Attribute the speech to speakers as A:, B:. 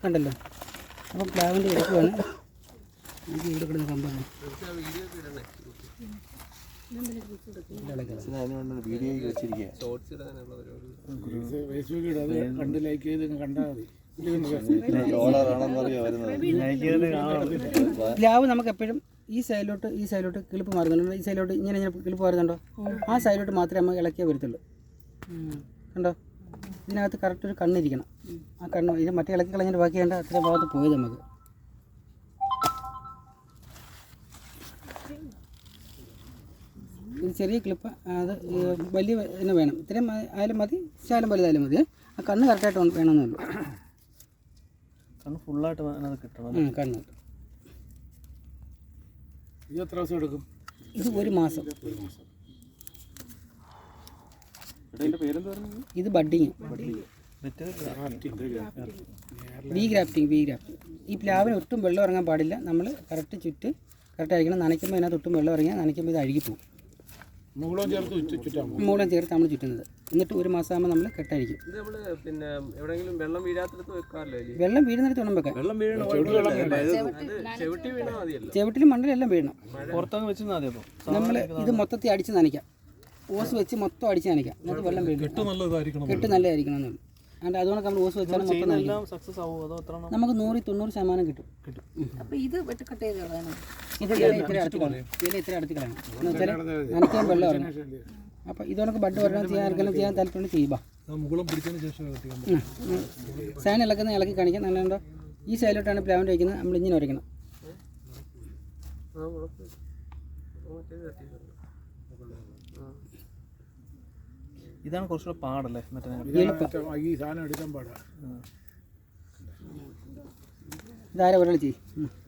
A: കണ്ടല്ലോ. അപ്പോൾ പ്ലാവിൻ്റെ എടുക്കുവാണ്. എനിക്ക് ഇവിടെ കിടന്ന് കമ്പാണ്. പ്ലാവ് നമുക്ക് എപ്പോഴും ഈ സൈഡിലോട്ട് കിളിപ്പ് മാറുന്നുണ്ട്. ഈ സൈഡിലോട്ട് ഇങ്ങനെ കിളിപ്പ് മാറുന്നുണ്ടോ? ആ സൈഡിലോട്ട് മാത്രമേ നമുക്ക് ഇളക്കിയേ വരത്തുള്ളൂ. കണ്ടോ? ഇതിനകത്ത് കറക്റ്റ് ഒരു കണ്ണിരിക്കണം. ആ കണ്ണ് ഇത് മറ്റേ ഇളക്കി കളഞ്ഞിട്ട് ബാക്കി വേണ്ട അത്രയും ഭാഗത്ത് പോയത് നമുക്ക്. ഇത് ചെറിയ ക്ലിപ്പ്, അത് വലിയ തന്നെ വേണം. ഇത്രയും ആയാലും മതി, ശാലം വലുതായാലും മതി. ആ കണ്ണ് കറക്റ്റായിട്ട് വേണമെന്നുള്ളൂ.
B: കണ്ണ് ഫുള്ളായിട്ട് കിട്ടണം.
A: കണ്ണ്
C: ഇത് എത്ര ദിവസം എടുക്കും?
A: ഇത് 1 മാസം. ഇത് ബഡ്ഡിങ്, വി ഗ്രാഫ്റ്റിംഗ്. ഈ പ്ലാവിന് ഒട്ടും വെള്ളം ഇറങ്ങാൻ പാടില്ല. നമ്മൾ കറക്റ്റ് ആയിരിക്കണം. നനയ്ക്കുമ്പോൾ അതിനകത്ത് ഒട്ടും വെള്ളം ഇറങ്ങിയാൽ നനയ്ക്കുമ്പോൾ ഇത് അഴുകിപ്പോവും. മൂളം ചേർത്ത് നമ്മൾ ചുറ്റുന്നത്. എന്നിട്ട് 1 മാസം ആകുമ്പോൾ നമ്മൾ കെട്ടായിരിക്കും. വെള്ളം വീഴുന്നിടത്ത് വേണം വെക്കാൻ. ചെവിട്ടിലും മണ്ണിലെല്ലാം വീഴണം. നമ്മൾ ഇത് മൊത്തത്തിൽ അടിച്ച് നനയ്ക്കാം. ഓസ് വെച്ച് മൊത്തം അടിച്ച് നനയ്ക്കാം. എന്നിട്ട് വെള്ളം വീഴും. കെട്ട് നല്ലതായിരിക്കണം എന്നുള്ളൂ. അതുകൊണ്ട് നമ്മൾ ഓസ് വെച്ചാൽ മൊത്തം നമുക്ക് 100-90% കിട്ടും. ഇത് ഇത്ര അടുത്ത് കളയണം എന്ന് വെച്ചാൽ നനയ്ക്കാൻ വെള്ളം ഇറങ്ങും. അപ്പോൾ ഇതോടൊക്കെ ബഡ് വരണം ചെയ്യാൻ താല്പര്യം ചെയ്യുക. സാൻ ഇളക്കി കാണിക്കാം. നല്ലുണ്ടോ? ഈ സൈഡിലോട്ടാണ് പ്ലാവിൻ്റെ വയ്ക്കുന്നത്. നമ്മൾ ഇങ്ങനെ വരയ്ക്കണം.
B: ഇതാണ് കുറച്ചുകൂടെ പാടല്ലേ?
A: ഇതാരെ ഒരാൾ ചെയ്യും.